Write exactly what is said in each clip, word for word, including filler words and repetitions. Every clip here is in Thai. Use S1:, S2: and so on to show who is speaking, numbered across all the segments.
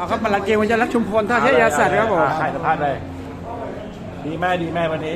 S1: เอาครับมาหลังเกมวันจะรักชุมพลท่าเทพยาสัตว์ครับผม
S2: ใครสัมภาษณ์เลยดีแม่ดีแม่วันนี้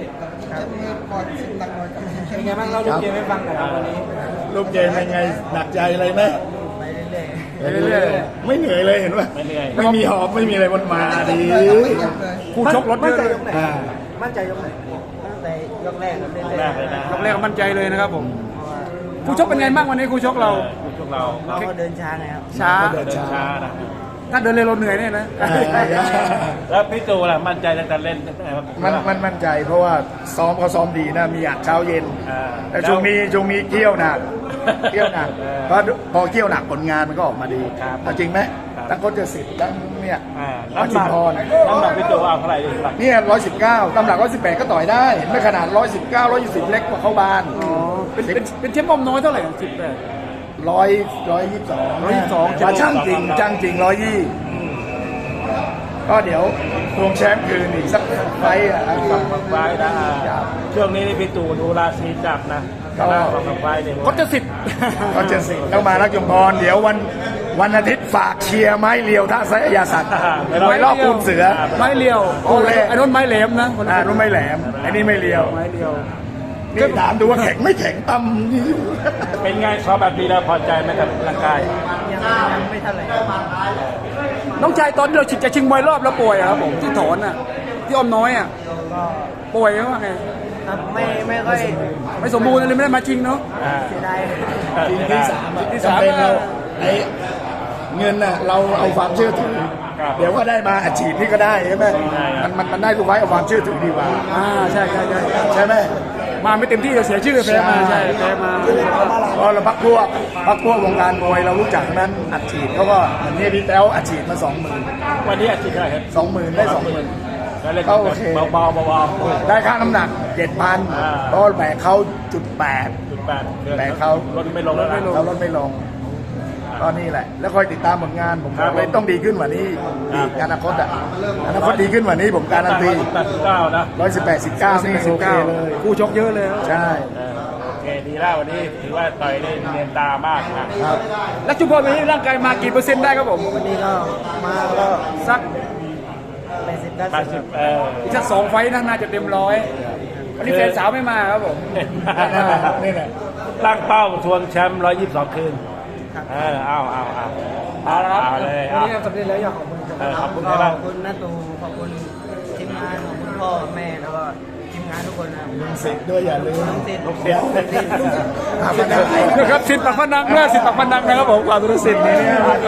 S1: เป็นไงบ้างเราดูเกมให้ฟังหน่อยครับวันนี้
S3: ลูกเกมเป็นไงหนักใจอะไรไหม
S1: ไปเรื่อย
S3: ไม่เหนื่อยเลยเห็นป่ะ
S2: ไม่เหนื่อย
S3: ไม่มีหอบไม่มีอะไรมันมาดี
S1: ๆคู่ชกรถเยอะเลย
S3: อ่า
S4: มั่นใจยกไหนตั้งแต่ยกแรกครับเรื่อย
S2: แรกเลยนะ
S1: ยกแรกก็มั่นใจเลยนะครับผมคู่ชกเป็นไงบ้างวันนี้คู่ชกเรา
S2: พวกเรา
S4: ๆเราก็เดินช้าไงครับ
S1: ช้า
S2: เดินช้านะ
S1: ถ้าเดินเร็วเราเหนื่อยเนี่ยนะ
S3: อ่า
S2: แล้วพี่ตูล่ะมั่นใจตั้งแต่เล่นตั้งแต่
S3: มันมันมั่นใจเพราะว่าซ้อมเขาซ้อมดีนะมีอัดเช้าเย็น
S2: อ่า
S3: แต่ช่วงนี้ช่วงนี้เกี่ยวหนักเกี่ยวหนัก
S2: เออ
S3: เพราะพอเกี่ยวหนักผลงานมันก็ออกมาดี
S2: ครับ
S3: เอาจริงไหม
S2: ครับ
S3: ทั้งโคชเจสิทธิ์ทั้งเนี่ย
S2: อ่า
S3: ทั้ง
S2: น้ำห
S3: ชุ
S2: นั
S3: ม
S2: ก
S3: พร
S2: น้ำหนักพี่ตูเอาเท่าไหร่ดีหลัก
S3: เนี่ยร้อยสิบเก้าตำหลักร้อยสิบแปดก็ต่อยได้เห็นไหม่ขนาดร้อยสิบเก้าร้อยยี่สิบเล็กกว่าเข้าบาน
S1: อ๋อเป็นเป็นเป็นเชฟบอมน้อยเท่าไหร่สิบแปด
S3: ร้อยร้อยยี่สิบสอง
S1: ร้อยยี่สิบสอง
S3: ว่าช่างจริงช่างจริงร้อยยี่ก็เดี๋ยวทวงแชมป์คืนอีกสักไฟต์อ่ะ
S2: ฝั่งไฟนะช่วงนี้นี่พี่ตูดูราศีจับนะก็ฝั่งไฟเนี่ย
S1: ก็จะสิบ
S3: ก็เจสิแล้วมารักยมพรเดี๋ยววันวันอาทิตย์ฝากเชียร์ไม้เลียวท่าไซยาสัตว์ไว้รอบปูนเสือ
S1: ไม้เลียว
S3: โอ้เล่
S1: ไอ้นนท์ไม้เหลมนะคนละ
S3: อ่านู้นไม่แหลมไอ้นี่ไม่เลียว
S1: ไม้เลียว
S3: นี่ถามดูว่าแข็งไม่แข็งตำนี่อยู่
S2: เป็นไงซ้อมแบบนี้แล้วพอใจไหมกับร่างกาย
S4: ยังยังไม่เท่าไหร่
S1: น้องชายตอนที่เราชิงจะชิงมวยรอบแล้วป่วยอะครับผมที่ถอนอ่ะที่อ้อมน้อยอ่ะ
S4: ก็
S1: ป่วยว่าไง
S4: ครับไม่ไม่ค่อย
S1: ไม่สมบูรณ์เลยไม่ได้มาชิงเนาะ
S2: อ่า
S4: เสียดาย
S3: ทีมที่สามอะ
S1: ที่สาม
S3: จำเป็นเรา
S1: อะ
S3: ไอ้เงินน่ะเราเอาความเชื่อถือ เดี๋ยวก็ได้มาอาชีพนี่ก็ได้ใช่ไหมมันมันมันได้ทุกไว้เอาความเชื่อถือดีกว่า
S1: อ่าใช่ใช่ใช่
S3: ใช่ไหม
S1: มาไม่เต็มที่จะเสียชื่อแพ้มาใช่แพ้มา
S3: เพราะเราพักพวกพักพวกวงการมวยเรารู้จักนั้นอัดฉีดเขาก็เหมือนนี่พี่แต้วอัดฉีดมาสองหมื่น
S2: วันนี้อาชีพอะไรครับ
S3: สองหมื่นได้สองหมื่น
S2: ก็เล่น
S3: ก็โอเค
S2: เบาๆเบาๆ
S3: ได้ค่าน้ำหนักเจ็ดพัน
S2: อ่า
S3: เพราะแบกเขาจุดแปด
S2: จุดแปด
S3: แต่เขา
S2: ลดไม่ลงแล้วนะ
S3: เขาลดไม่ลงก็นี่แหละ แล้วคอยติดตามผลงานผม
S2: ครับ
S3: เลยต้องดีขึ้นกว่านี้
S2: ครั
S3: อี
S2: บ
S3: กอนาคตอ่ะอนาคตดีขึ้นกว่านี้ผมการันตี
S2: แปดสิบเก้านะ
S3: ร้อยสิบแปดสิบเก้านี่โอเคเลย
S1: คู่ชกเยอะเลย
S3: ใช่
S2: เออโอเคดีแล้ววันนี้ถือว่าต่อยได้เนียนตามากนะครับ
S1: แล้วชุมพรวันนี้ร่างกายมากี่เปอร์เซ็นต์ได้ครับผม
S4: วันนี้ก็มาก็
S1: สัก
S4: แปดสิบเก้า
S2: แปดสิ
S4: สิ
S2: บบ เออ
S1: อีกสักสองไฟต์น่าจะเต็มร้อยวันนี้แฟนสาวไม่มาครับผม
S3: นี่แหละ
S2: ตั้งเป้าทวงแชมป์ร้อยยี่สิบสองคืนเออเอาเอาเอา
S1: เอาละครับ
S2: เอาเลย
S1: วัน
S2: เอา
S1: นี้ทำสำเร็จแล้วอยากขอบคุณ
S2: เออขอบคุณ
S4: ก็
S2: ครับ
S4: ขอบคุณน้าตูขอบคุณทีมงานขอบคุณพ่อแม่แล้วก็ทีมงานทุกคนนะครับ
S3: สิทธิ์ด้วยอย่าลืม
S4: ทั้งสิ้น
S2: ลูกเสีย
S3: ถามมาได้
S1: นะครับสิทธิ์ปักพนังเมื่อสิทธิ์ปักพนังนะครับผมความรู้สิทธิ์นี่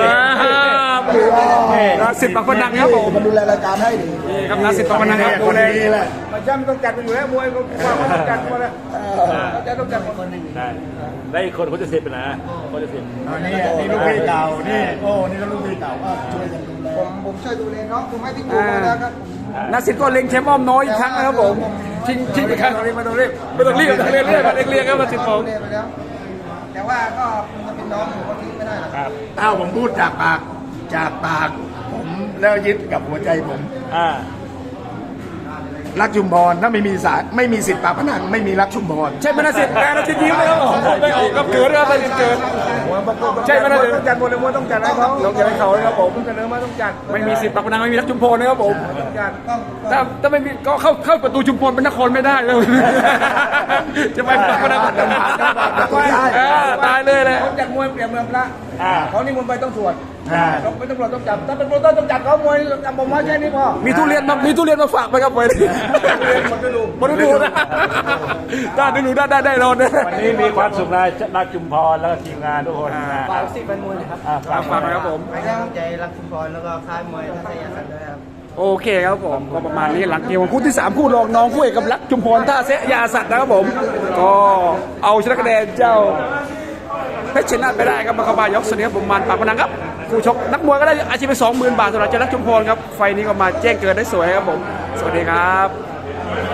S1: นะครับสิทธิ์ปักพนังครับผม
S3: มันดูแลรายการให้ดี
S1: นี่ครับนะสิทธิ์ปักพนังครับ
S3: ค
S1: ดู
S3: น
S1: แล
S3: นี้แหละ
S1: มาย่ำต้องจัดกันอยู่แล้วมวยก็ต้องจัดมาแล้วจะต้องจัด
S4: คนหนึ่ง
S2: ได้ได้อีกคนคนจะสิบนะคนจะสิบ
S3: อันนี้นี่ลูกพี่เก่านี่โอ้นี่ก็ลูกพี่เก่าก็ช่วยกันดูแล
S5: ผมผมช่วยดูแลน้องผมให้พี่ตูมาแล้วครับผม
S1: นักสิทธิ์ก็เล็งแชมป์อ้อมน้อยอีกครั้งนะครับผมชิงชิงอีกครั้งไม่ต้องรีบไม่ต้องรีบไม่ต้องรีบเรียกเรียกเรียกครับมาสิทธิ์ผม
S5: ดูแลไปแล้ว แต่ว่าก็มันจะเป็นน้องผมก็ทิ้งไม่ได้หรอก
S2: ครับ
S3: อ้าวผมพูดจากปากจากปากผมแล้วยึดกับหัวใจผม
S2: อ่า
S3: รักชุมพรถ้าไม่มีสารไม่มีสิทธิ์ปากพนังไม่มีรักชุมพร
S1: ใช่ไหมนักสิทธิ์แกนักสิทธิ์ยิ้มเลยครับผมไม่ออกกับเกิดครับนักสิทธิ์เกิดใช่ไหมนักสิทธิ์ต้องจัดหมดเลยว่าต้องจัดให้เขาต้องจัดให้เขาเลยครับผมเสนอมาต้องจัดไม่มีสิทธิ์ปักพนังไม่มีรักชุมพรนะครับผมต้องจัด
S5: ต้อง
S1: ถ้าถ้าไม่มีก็เข้าเข้าประตูชุมพรเป็นนครไม่ได้เลยจะไปปักพนังตายเลยเลย
S5: เขาจัดมวยเปรียบเมืองพระ
S2: อ่า
S5: เขานี่มนต์ไปต้องสวด
S3: อ่า
S5: ต้องไม่ต้องตำรวจต้องจับถ้าเป็นโปรโตต้องจับเขามวยจำผมว่าแค่นี้พอ
S1: มีทุเรียนมามีทุเรียนมาฝากไปครับไป
S5: หมดฤดู
S1: มาดูนะได้ดูได้ได้ได้รอนะ
S2: วันนี้มีความสุขนะรักจุมพรแล้วก็ทีมงานทุกคนนะ
S4: ฝากสิบเป็นมวยนะครับ
S2: อ่า
S1: ฝากฝากนะครับผม
S4: ให้กำลังใจรักชุมพรแล้วก็ค่ายมวยทัศยาสันด้วยครับ
S1: โอเคครับผมก็ประมาณนี้หลังเกมของคู่ที่สามคู่รองน้องคู่เอกกับรักจุมพรท่าเสยาสัตว์นะครับผม ก็เอาชนะคะแนนเจ้าเพชรชนะไปได้ครับมาเข้ามายกเสนอผมมันปากพนังครับคู่ชกนักมวยก็ได้อาชีพไปสองหมื่นบาทสำหรับเจ้ารักจุมพรครับไฟนี้ก็มาแจ้งเกิดได้สวยครับผมสวัสดีครับ